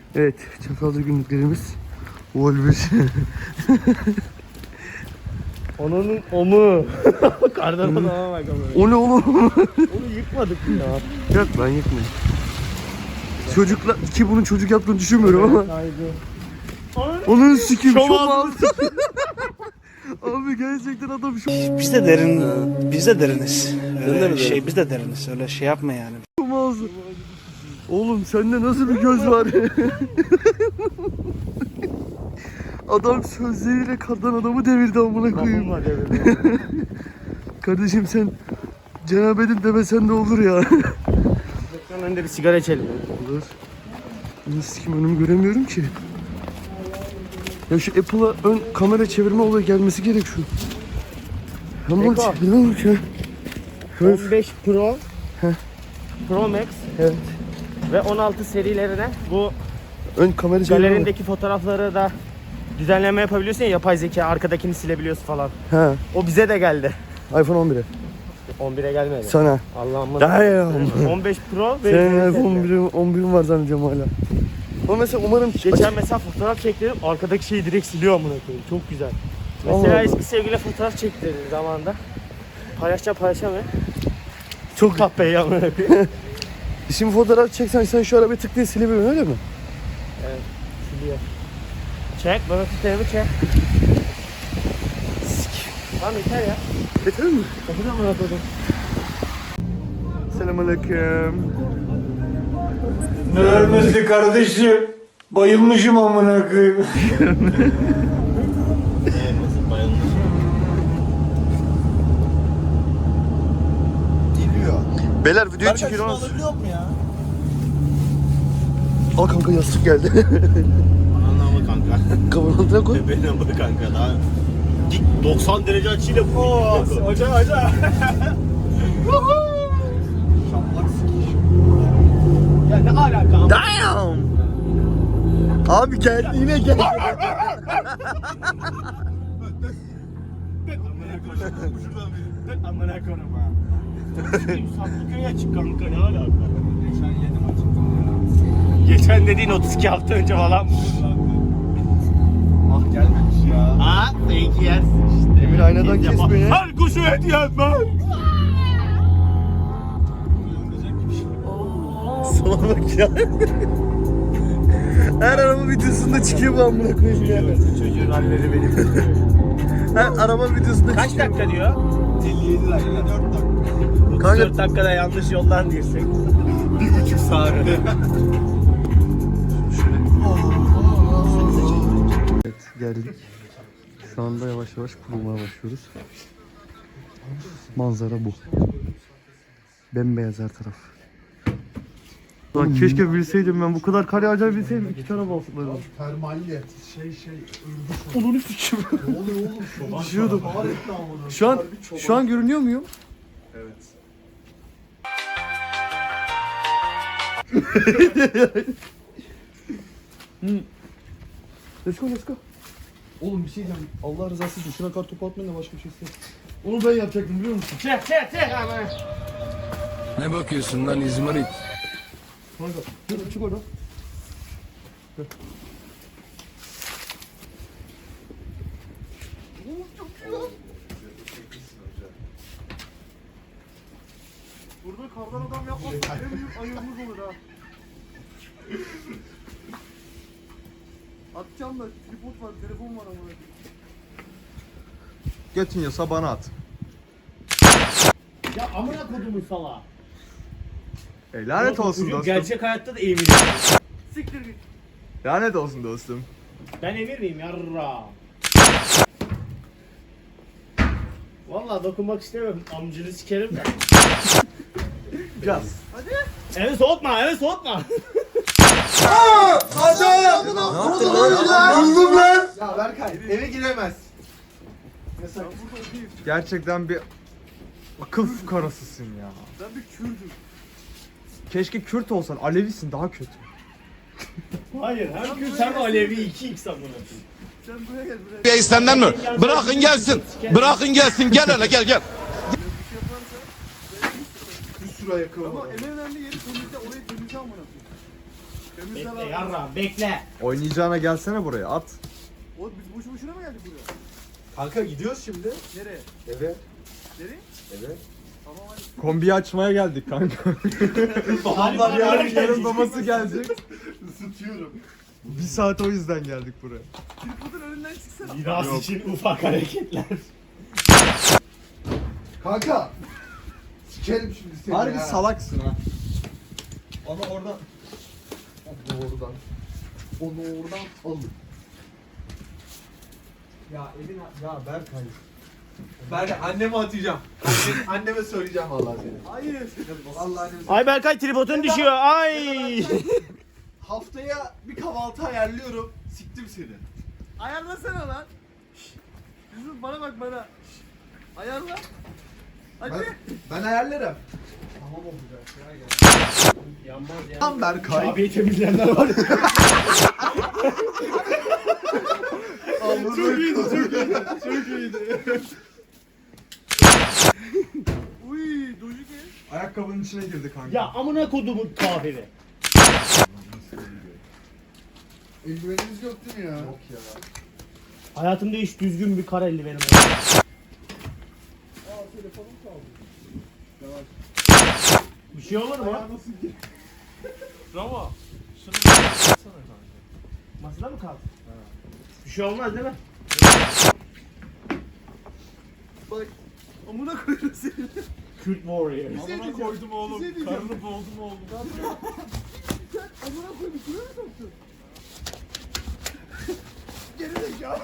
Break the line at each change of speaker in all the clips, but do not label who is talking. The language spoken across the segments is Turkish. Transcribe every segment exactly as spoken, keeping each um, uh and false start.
Evet, Çatalca günlüklerimiz. Vol bir.
Onun omu. Kardan adama bak ama.
O ne oğlum?
Onu yıkmadık mı ya?
Yok ben yıkmayayım. Çocuklar, ki bunun çocuk yaptığını düşünmüyorum ama.
Haydi.
Onun sikim
Şom
şom aldı. Abi gerçekten adam şom
Biz de derin, biz de deriniz.
de mi
Öyle şey,
derin?
biz de deriniz. Öyle şey yapma yani.
aldı. Oğlum sende nasıl bir göz var? Adam sözleriyle kardan adamı devirdi amına koyayım.
Kapım var devirdi.
Kardeşim sen Cenab-ı demesen de olur ya.
Ekran önünde bir sigara içelim.
Olur. Nasıl kim önümü göremiyorum ki. Ya şu Apple'a ön kamera çevirme olayı gelmesi gerek şu. Ama
Eko.
çevirme bak ya. Öf.
on beş Pro,
Heh.
Pro Max
Evet.
ve on altı serilerine bu
Ön kamera çevirme.
galerindeki fotoğrafları da düzenleme yapabiliyorsun ya, yapay zeka arkadakini silebiliyorsun falan.
Ha.
O bize de geldi.
iPhone on bire.
on bire gelmedi.
Sana.
Allah'ım.
Damn.
on beş Pro ve
Senin iPhone on birim, on birim var zannediyorum hala. Ama mesela umarım
geçen mesela fotoğraf çektirdim, arkadaki şeyi direkt siliyor amına koyayım. Çok güzel. Mesela
Allah Allah.
eski sevgiliyle fotoğraf çektirdim zamanında. Paylaşacağım paylaşamıyor.
çok
Kahpeyi amına koyayım.
Şimdi fotoğraf çeksen sen şu arabayı tık diye silebiliyorsun öyle mi?
Evet, siliyor. Çek, bana tutarımı çek. Tamam yeter ya.
Yeter mi?
Kapıda amına koydum.
Selamünaleyküm.
Ne ölmesi kardeşim? Bayılmışım amına koyayım.
Beyler video çekiyoruz.
Alabiliyor mu ya?
Al kanka yastık geldi.
Anlamı kanka.
Kafanın altına koy.
Benim bu kanka daha dik doksan derece açıyla bu.
Hoca hoca.
Ya ne alaka?
Damn. Abi geldi yine geldi.
Amına koyayım ha. Saklıköy'e çık kanka ne alaka?
Geçen yedim açıktım
Geçen dediğin otuz iki hafta önce falan.
Ah gelmemiş ya.
Ha? Belki yersin işte.
Emir aynadan
Biz
kes
yapa-
beni.
Her kuşu et yenmez.
Sana bak ya. Her araba videosunda çıkıyor bu amına koyayım ya.
Çocuğun halleri benim.
Her araba videosunda
Kaç
çıkıyor.
dakika diyor?
elli yedi dakika. dört dakika.
Kanka-
dört dakikada yanlış yoldan girsek.
Bir buçuk saatte.
Evet geldik. Şu anda yavaş yavaş kurulmaya başlıyoruz. Manzara bu. Bembeyaz her taraf. Lan keşke bilseydim ben bu kadar kar yağacağını bilseydim iki tane basıklarım.
Termalle şey şey
Onu sikim.
ne oluyor oğlum şu an?
Düşüyordum.
Fahrettin amına.
Şu an şu an görünüyor muyum?
Evet.
Let's go let's go. Oğlum bir şey diyeceğim. Allah rızası için şuna kar topu atmayın da başka bir şey istemiyorum. Onu ben yapacaktım biliyor musun?
Çek çek çek ama.
Ne bakıyorsun lan İzmarit?
Kanka dur çık oradan. Gel. Oğlum çok güzel. Burada kardan adam yapmazsak en büyük ayımız olur ha. Atacağım da tripod var, telefon var ama.
Götünüyorsa bana at.
Ya amına kodumun salağı.
E, lanet olsun
Çocuk
dostum.
gerçek hayatta da emir.
Siktir git.
Lanet olsun dostum.
Ben emir miyim yarra? Vallahi dokunmak istemiyorum. Amcını sikerim de.
Biraz.
Evi soğutma, evi soğutma.
Buldum lan. Ya Berkay eve giremez.
Gerçekten bir akıl karasısın ya.
Ben bir Kürdüm.
Keşke Kürt olsan, Alevisin daha kötü.
Hayır, hem Kürt hem Alevi iki x amına.
Sen buraya gel buraya.
Ya senden mi? Bırakın gelsin. Bırakın gelsin. Gel hele gel gel.
Bir sürü ayakkabı
Ama
var.
en önemli yeri temizle, orayı temizle amına koyayım.
Bekle yarra bekle.
Oynayacağına gelsene buraya at.
Oğlum biz boşu boşuna mı geldik buraya?
Kanka gidiyoruz şimdi.
Nereye?
Eve.
Nereye?
Eve.
Tamam hadi.
Kombiyi açmaya geldik kanka.
Babamlar
yarın yarın babası gelecek.
Isıtıyorum.
Bir saat o yüzden geldik buraya.
Tripodun önünden çıksana.
Miras için ufak hareketler.
Kanka. Sikerim şimdi seni
Harbi
ya.
salaksın ha. Onu oradan
Onu oradan. Onu oradan alın.
ya evin ya Berkay.
Ben anneme atacağım. Anne- anneme söyleyeceğim vallahi seni. Hayır. Vallahi anneme
Ay Berkay tripodun düşüyor. Ay.
Haftaya bir kahvaltı ayarlıyorum. Siktim seni. Ayarlasana lan. Şşş. Yusuf bana bak bana. Şşş. Ayarla. Hadi. Ben, ben ayarlarım. Tamam olacak ya gel.
Yanmaz ya.
Tam Berkay.
Abiyi temizleyenler var.
Çok iyiydi, çok iyiydi, çok iyiydi. Uy, doju gel.
Ayakkabının içine girdi kanka.
Ya amına kodumun kafiri.
Eldivenimiz yok değil mi ya?
Yok ya.
Hayatımda hiç düzgün bir kara eldivenim yok.
Aa, telefonum kaldı.
Bir şey olur mu?
Nasıl gir?
Bravo.
Masada mı kaldı? Bir şey olmaz değil mi?
Bak, amına koyarım seni.
Kürt Warrior.
Amına koydum oğlum.
Bir şey diyeceğim.
Karnını boğdum oğlum.
Sen amına koydum, şuraya mı soktun? Geri zekalı.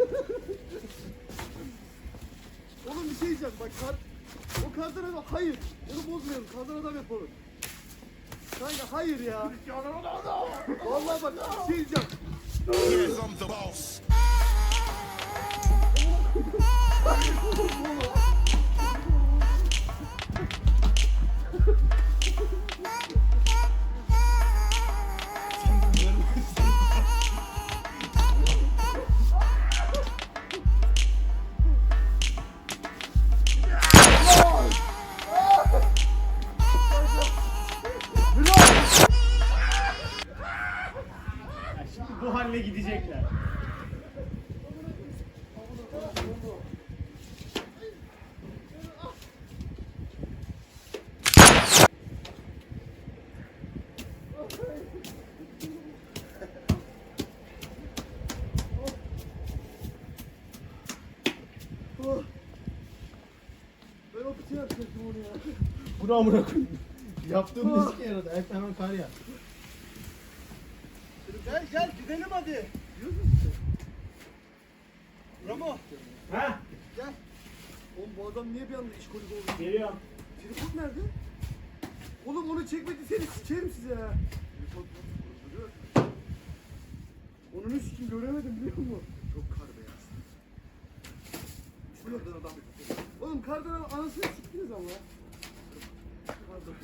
Oğlum bir şey diyeceğim, bak kar... O kardan adam, hayır. Onu bozmayalım, kardan adam yapalım. Kanka hayır ya. Vallahi bak bir şey diyeceğim.
I'm the boss.
Şimdi bu halle gidecekler.
Ben o kutuyu yapacaktım onu ya.
Bunu amına koyayım. Yaptığım ne sike yaradı? Ayakta hemen kar ya.
Gel gel gidelim hadi. Ramo.
Ha?
Gel. Oğlum bu adam niye bir anda iş kolik oldu?
Geliyorum.
Tripod nerede? Oğlum onu çekmediyseniz sikerim size ya. Tripod duruyor. Onun üstünü göremedim biliyor musun? Çok kar beyaz. Şuradan adam. Oğlum kardan anasını siktiniz ama. Kardan.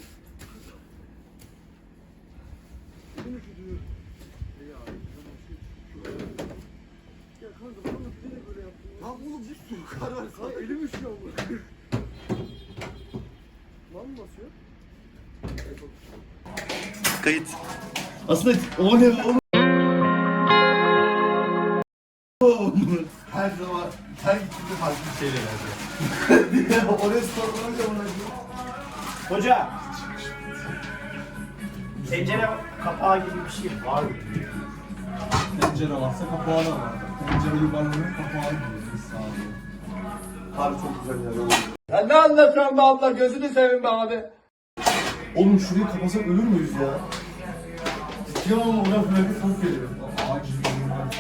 Elim üşüdü. Ya, ya kanka bana bilerek böyle yaptın. Lan oğlum bir sürü kar var. Sana elim üşüyor bu. Lan mı basıyor?
Kayıt. Aslında o ne o
Her zaman her gittiğimde farklı bir şeyle geldi. Oraya sorulunca bana
Hoca. Tencere kapağı gibi bir şey var mı?
Pencere varsa kapağı da var. Pencere yuvarlanır kapağı gibi. Sağ olun.
Harbi çok güzel yer oldu. Ya ne anlatıyorsun be abla, gözünü seveyim be abi.
Oğlum şurayı kapasak ölür müyüz ya? Ciddi ama oradan böyle bir ses geliyor. Acil bir durum var.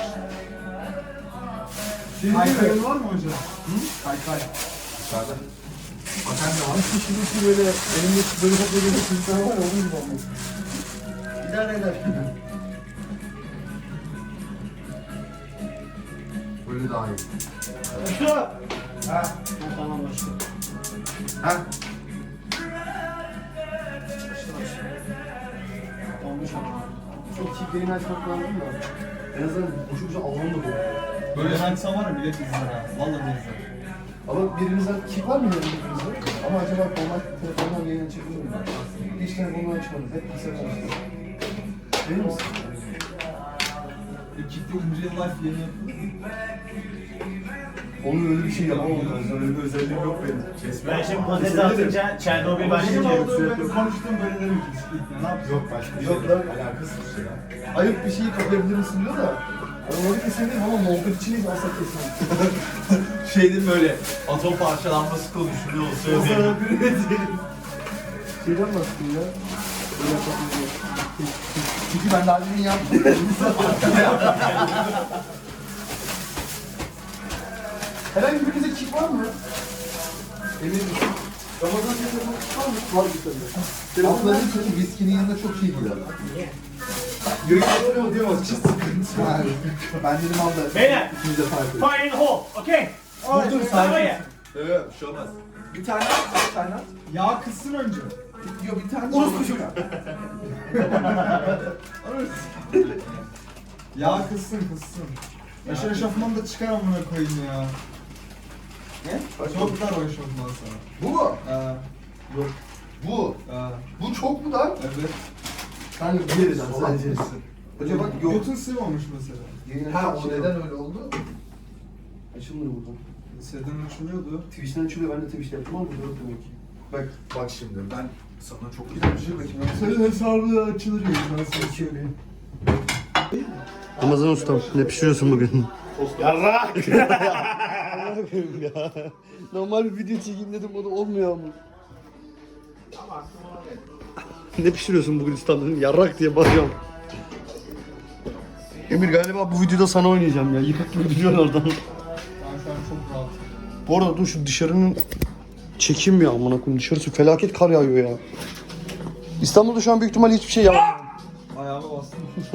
Senin kaykayın var mı hocam? Hı? Kaykay.
Dışarıda.
Bakan ne var? Şurası böyle elimde böyle çok böyle bir çocuklar var ya onun gibi olmuş.
İdare eder. Böyle daha iyi.
Usta.
Ha?
Ha, tamam başla.
Ha?
Olmuş ama.
Çok çiftliğini açmak lazım da. En azından boşu boşu alanı da bu.
Böyle açsam var ya millet izler ha. Vallahi izler.
Ama birimizden kip var mı birimizde? Ama acaba normal telefondan yayın açabilir mi? Hiç telefondan açmadık. Hep bilgisayar açtık. Değil misin? Ekipte ince life yeni yapıyor.
Onun öyle bir şey yapamam ben. Öyle bir özelliğim yok benim.
Ben şimdi patates atınca Çernobil
Benim
başlayacak.
olduğum benim konuştuğum böyle demek ki. Ne yapayım? Yok başka bir şey. Yok lan. Alakasız bir şey ya. Ayıp bir şeyi kapayabilir misin diyor da. Onları kesebilirim ama muhabbet için hiç asla kesemem.
Şeydi böyle atom parçalanması konuşuluyor
O
söyleyeyim.
sana bir ne diyelim. Şeyden baktım ya. Böyle yapabilirim. Çünkü ben daha demin yaptım. Herhangi birinize kick var mı? Emin misin? Ramazan telefonu var mı? Var bir tane.
Telefonların sözü viskinin yanında çok iyi gider.
Yürüyüşler oluyor ama çiz sıkıntı.
Yani, ben dedim abla.
Beyler.
İkimiz de fark ediyor.
Fire in the hole. Okay.
Dur dur
Tamam
sakin.
ya.
Evet bir şey olmaz. Bir tane at, bir tane at.
Yağ kızsın önce.
Yok bir tane.
Orospu çocuğu. Yağ kızsın kızsın. Yaşar eşofmanı da çıkar amına koyayım ya.
Ne?
Çok dar o eşofman sana.
Bu mu?
Ha,
Yok. Bu.
ha.
Bu çok mu lan?
Evet.
Sen de bir yerinden sadece. Hoca bak yok.
Götün sığmamış mesela.
Ha o neden öyle oldu?
Açılmıyor buradan.
Seden açılıyordu.
Twitch'ten açılıyor. Ben de Twitch'te yaptım ama burada yok demek ki.
Bak bak şimdi ben sana çok güzel bir şey bakayım.
Senin hesabı açılır ya. Ben sana söyleyeyim.
Ramazan ustam ne pişiriyorsun bugün?
Yarrak.
ya. Normal bir video çekeyim dedim o da olmuyor ama. Ne pişiriyorsun bugün ustam dedim yarrak diye bağırıyorum. Emir galiba bu videoda sana oynayacağım ya. Yıkık gibi duruyorsun oradan.
Ben şu an çok rahat.
Bu arada dur şu dışarının çekim ya amına koyayım. Dışarısı felaket kar yağıyor ya. İstanbul'da şu an büyük ihtimalle hiçbir şey yağmıyor.
Ayağıma bastım.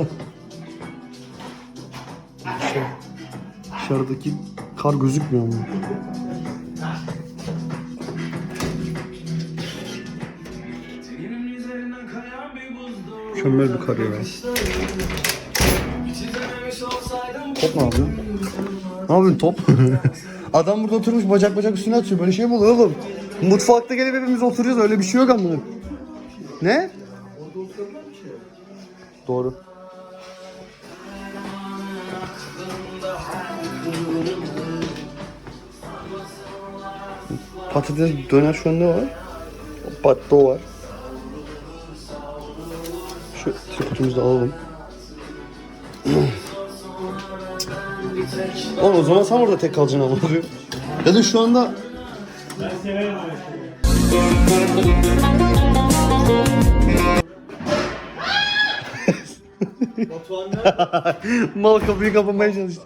Dışarıdaki kar gözükmüyor ama. Mükemmel bir kar ya. Top ne yapıyor? Ne yapıyorsun top? Adam burada oturmuş bacak bacak üstüne atıyor. Böyle şey mi olur oğlum? Mutfakta gelip hepimiz oturuyoruz öyle bir şey yok amına. Ne? Doğru. Patates döner şu an ne var? Patto var. Şu tripodumuzu da alalım. Oğlum o zaman sen orada tek kalacaksın ama. Ya da şu anda...
Ben severim öyle şeyleri.
Batuhan nerede?
Mal kapıyı kapamaya çalıştı.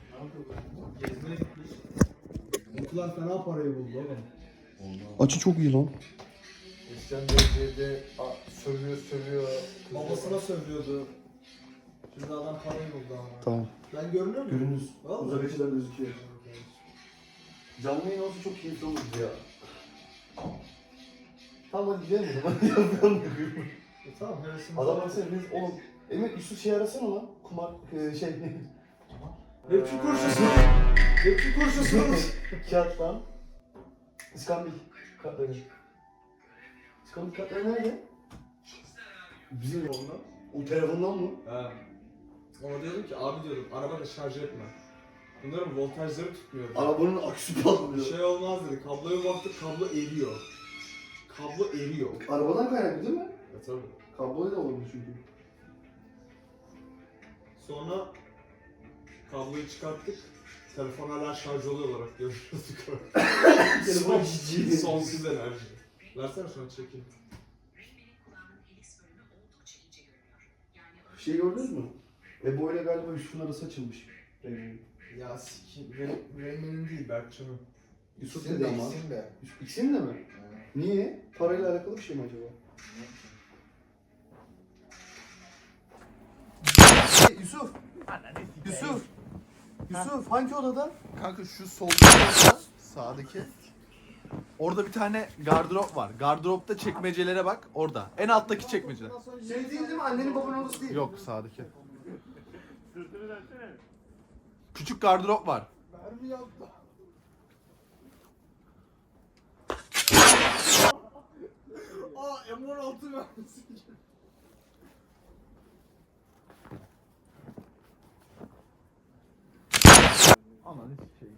Mutlular fena parayı buldu oğlum.
Açı çok iyi lan.
Christian Bey'de sövüyor sövüyor. Babasına sövüyordu. Şimdi adam parayı buldu ama.
Tamam.
Ben görünüyor muyum?
Görünüz.
Vallahi.
Uzak açıdan gözüküyor. Canlı yayın olsa çok keyifli olurdu ya. Tamam hadi gidelim o zaman. Yapıyorum.
E, tamam hevesimiz
Adam
var.
baksana biz oğlum. Emir Yusuf şey arasana lan. Kumar e, şey.
Rapçi kurşusu. Rapçi kurşusu.
Kağıt lan. İskambil kartları. İskambil kartları nerede? Bizim ondan. O telefondan mı?
He. Ona diyordum ki abi diyordum arabada şarj etme. Bunların voltajları tutmuyor.
Arabanın aküsü
Bir
patlıyor.
şey olmaz dedi. Kabloya baktık kablo eriyor. Kablo eriyor.
Arabadan kaynaklı değil mi?
Ya tabii.
Kabloyu da olmuş çünkü.
Sonra kabloyu çıkarttık. Telefon hala şarj oluyor olarak görüyorduk.
Telefon
Son-
ciddi.
Sonsuz enerji. Versene şunu çekeyim.
Şey gördünüz mü? Ebo ile galiba Yusuf'un arası açılmış. Ee,
Ya sikim. Reymen'in değil Berkcan'ın.
Yusuf dedi ama. Yusuf ikisinin de mi? Niye? Parayla alakalı bir şey mi acaba?
Hey, Yusuf. Yusuf.
Yusuf hangi odada?
Kanka şu soldaki odada, sağdaki. Orada bir tane gardırop var. Gardıropta çekmecelere bak. Orada. En alttaki çekmeceler.
Şey değil değil mi? Annenin babanın odası değil.
Yok sağdaki. Küçük gardırop var.
Aa M on altı vermişsin. Aman hiç şey.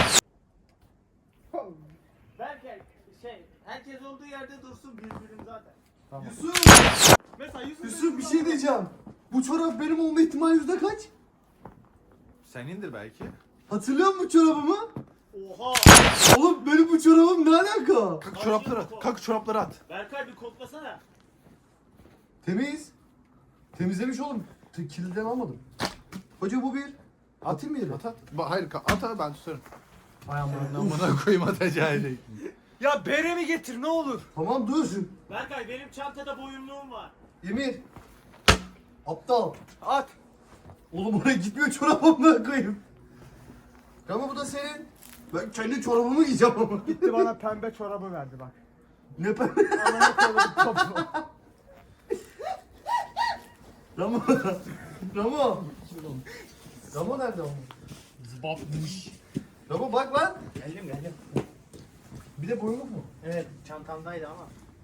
Berker şey herkes olduğu yerde dursun birbirim zaten.
Yusuf!
Mesela Yusuf,
Yusuf bir şey diyeceğim. Bu çorap benim olma ihtimali yüzde kaç?
Senindir belki.
Hatırlıyor musun bu çorabımı?
Oha!
Oğlum benim bu çorabım ne alaka?
Kalk çorapları at. Kalk çorapları at.
Berkay bir koklasana.
Temiz. Temizlemiş oğlum. T- Kiliden almadım. Hoca bu bir. Atayım mı yere?
At at. Ba- hayır ka- at at ben tutarım.
Ay aman.
Amına koyayım atacağı şey.
Ya beremi getir ne olur.
Tamam dur.
Berkay benim çantada boyunluğum var.
Emir. Aptal.
At.
Oğlum oraya gitmiyor çorabımla koyayım. Ama bu da senin. Ben kendi çorabımı giyeceğim ama.
Gitti bana pembe çorabı verdi bak.
Ne ben?
Anana koydum topu.
Ramo. Ramo. Ramo nerede oğlum?
Zıbatmış.
Ramo bak lan.
Geldim geldim.
Bir de boynluk mu?
Evet çantamdaydı ama.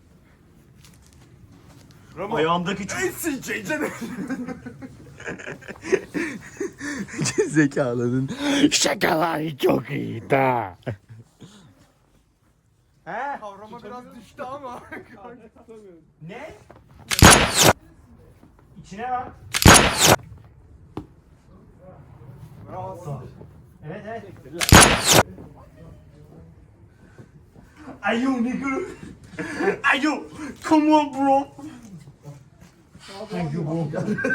Ramo.
Ayağımdaki çok...
Ensin ceycene.
Zekalının şakaları çok iyi da.
He?
Kavrama biraz düştü ama.
Ne? İçine bak.
Bravo.
Evet evet. Ayo nigga. Ayo. Come on bro. Thank you bro.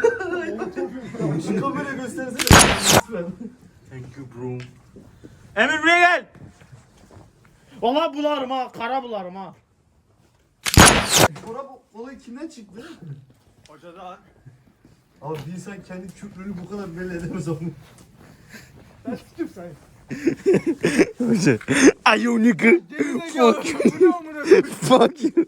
Şu kamera göstersene. Lütfen.
Thank you bro. Emir buraya gel. Valla bularım ha. Kara bularım ha.
Çorap olayı kimden çıktı?
Hocadan.
Abi bir insan kendi küfrünü bu kadar belli edemez onu.
Ben tuttum sen.
Ayo nigga.
Fuck you. Bu ne amına koyayım?
Fuck you.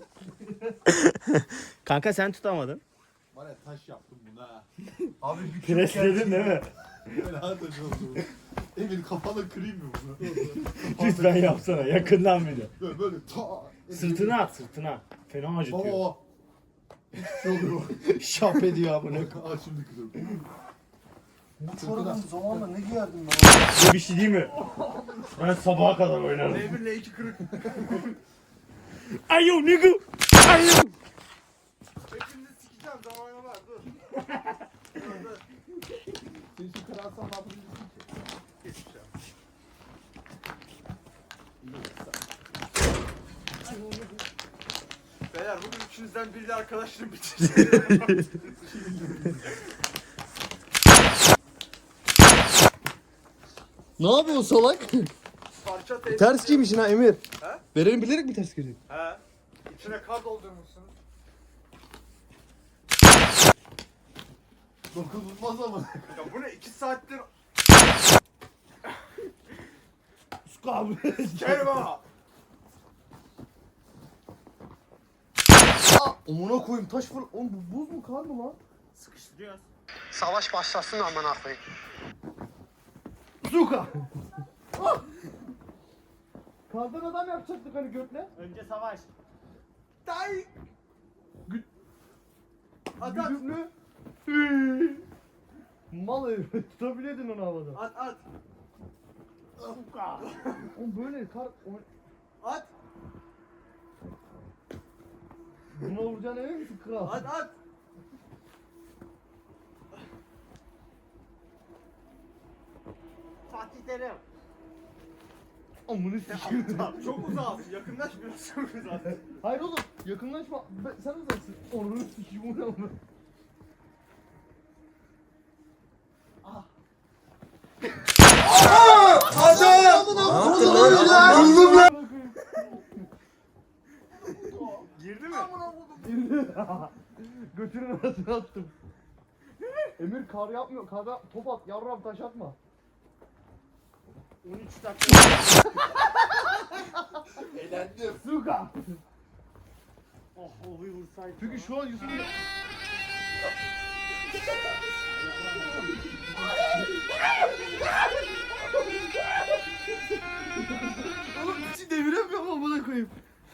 Kanka sen tutamadın.
Var ya taş yaptım buna.
Abi bir küfür
Presledin değil mi?
Böyle ha taş oldu. Emir kafana kırayım mı bunu?
Lütfen yapsana yakından bir de.
Böyle böyle ta.
Sırtına at sırtına. Fena acıtıyor.
Baba. Hiçbir şey oluyor.
Şap ediyor amına.
Aa şimdi kırıyorum.
Bu çorabın zamanla ne giyerdim ben?
Ne bir şey değil mi? Ben sabaha kadar oynarım.
Emir'le iki kırık.
Ayo nigga. Ayo.
Hepinizi sikeceğim zamanı var dur.
Sen şu kırarsan ne yapabilirsin ki?
Geçmiş ya. Beyler bugün üçünüzden biriyle arkadaşlığım bitirdi.
Ne yapıyorsun salak?
Parça teyze.
Ters giymişsin ha Emir.
He?
Verelim bilerek mi ters giydin?
He. İçine kar doldurmuşsun.
Dokunulmaz ama.
Ya bu ne iki saattir
Abi.
kerva.
Amına koyayım taş fır... Oğlum bu buz mu kar mı lan?
Sıkıştırıyoruz.
Savaş başlasın aman koyayım.
Zuka! Kardan adam yapacaktık hani götle.
Önce savaş.
Day. At at.
Güdümlü. Mal herif. Tutabilirdin onu havada.
At at.
Oğlum böyle kar...
At.
Buna vuracağına emin misin kral?
At at.
Fatih Terim.
Amını sikeyim.
Çok uzaksın. Yakınlaşmıyorsun çok uzaksın.
Hayır oğlum yakınlaşma. Ben, sen uzaksın. Onu sikeyim onu ama.
Girdi mi?
Götünün arasına attım. Emir kar yapmıyor. Karda top at. Yavrum taş atma.
on üç dakika.
Eğlendim.
Suka.
Oh olayı vursaydı.
Çünkü şu an Yusuf'un... Oğlum içi deviremiyorum amına koyayım.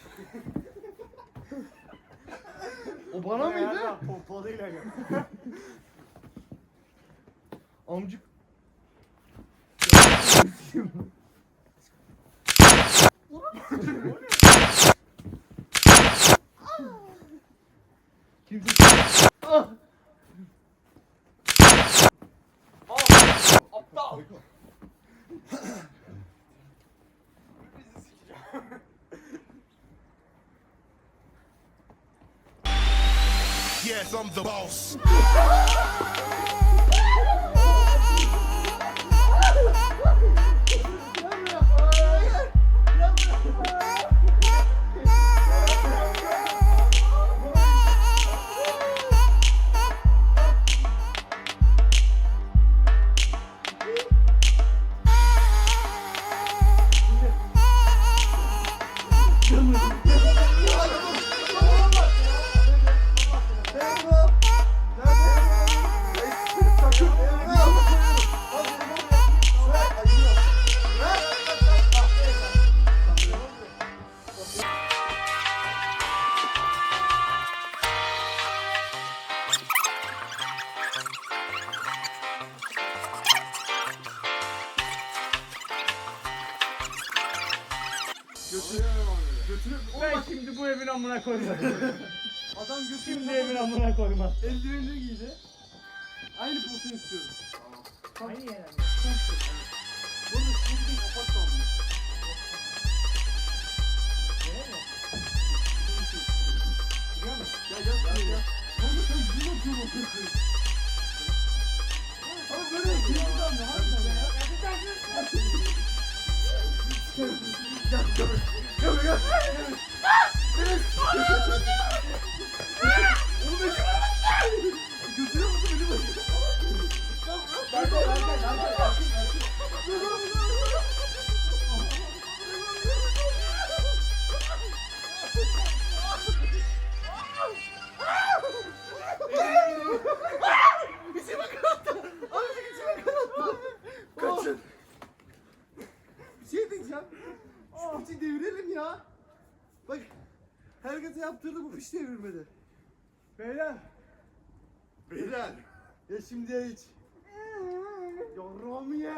O bana mıydı?
Pompalıyla gel.
Amcık.
Yes, I'm the boss.
Ben şimdi bu evin amına koymam.
Adam götürüp
Şimdi evin amına koymam.
eldivenini giydi. Aynı pozisyon istiyorum.
Aynı yer.
Bunu şimdi kapat kaldı. Gel gel gel gel. Ne oldu sen yüzüne atıyorsun? Abi böyle keyifli anne. Harbiden ya. Gel gel. Gel gel. Oğlum ne yapıyorsun? Götürüyor musun beni böyle? Gel gel gel gel. Kaçın. Bir şey diyeceğim. Şu piçi devirelim ya. Bak. Herkese yaptırdı bu piç devirmedi. Beyler. Beyler. Ya şimdi ya hiç. Yarrağımı ye.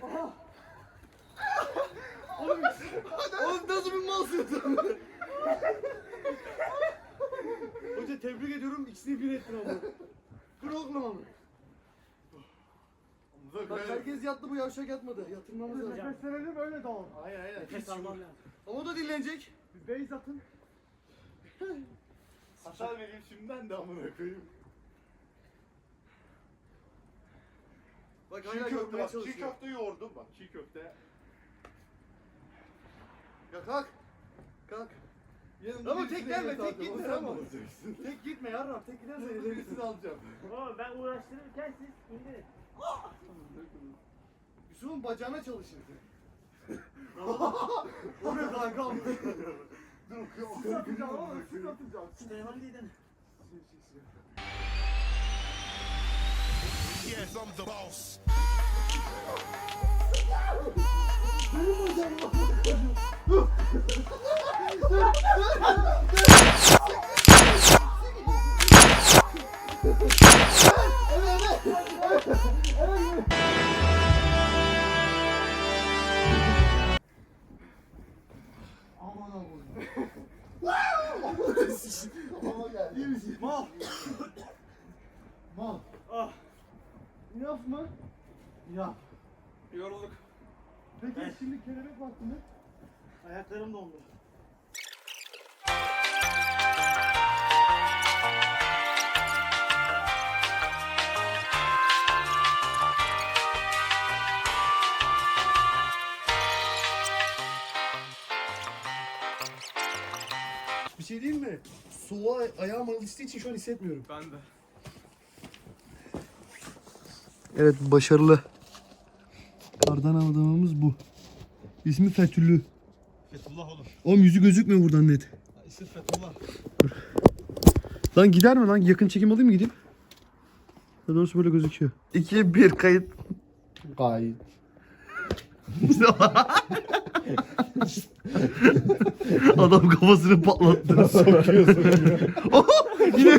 Oğlum, oğlum nasıl bir malsın? Hoca tebrik ediyorum. İkisini bir ettin ama. Dur oğlum ama. Bak herkes yattı, bu yavşak yatmadı. Yatırmamız lazım.
Nefeslenelim öyle dağılın.
Hayır hayır.
Nefes almam lazım.
Ama o da dinlenecek.
Bir base atın.
Hasar vereyim şimdiden de amına koyayım.
Bak
Çiğ
hala
köfte
görmeye
bak, çiğ
çalışıyor.
köfte yoğurdum bak, çiğ köfte.
Ya kalk. Kalk.
Yanımda
Ama
birisine
tek gelme,
yemek
tek
aldım,
gitme
o sen
ama.
olacaksın.
Tek gitme yarram. Tek gidersen ellerini alacağım.
Oğlum ben uğraştırırken siz indirin.
Yusuf'un bacağına çalışır. O ne kanka?
Siz atacağım ama siz atacağım.
Süleyman Lide'nin.
Yes, I'm the boss.
Aman Allah'ım.
İyi misin? Mal.
Mal.
Ah.
Yaf mı?
Ya.
Yorulduk.
Peki
Evet.
şimdi kelebek vakti mi?
Ayaklarım dondu.
Bir şey diyeyim mi? Soğuğa ayağım alıştığı için şu an hissetmiyorum.
Ben de.
Evet, başarılı. Kardan aldığımız bu. İsmi Fethüllü.
Fethullah oğlum.
Oğlum yüzü gözükmüyor buradan net.
İsim Fethullah.
Lan gider mi lan? Yakın çekim alayım mı gideyim? Daha doğrusu böyle gözüküyor. iki bir kayıt.
Gayet.
Adam kafasını patlattı. Sokuyor sokuyor. Yine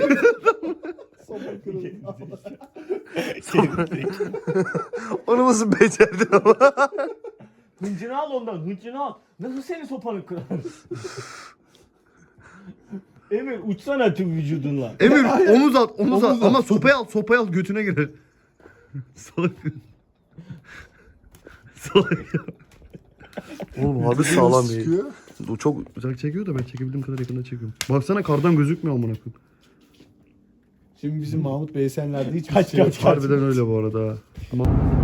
Onu nasıl becerdin ama?
Hıncını al ondan, hıncını al. Nasıl senin sopanı kırar? Emir uçsana tüm vücudunla.
Emir omuz at, omuz,
Omuz
at.
at.
Ama sopayı al, sopayı al götüne girer. Salak. Salak ya. Oğlum abi sağlam değil.
Sıkıyor.
O çok uzak çekiyor da ben çekebildiğim kadar yakında çekiyorum. Baksana kardan gözükmüyor amına koyayım.
Şimdi bizim Mahmut Beysenler'de hiç
Kaç,
şey yok.
kaç, kaç.
Harbiden öyle bu arada. Ama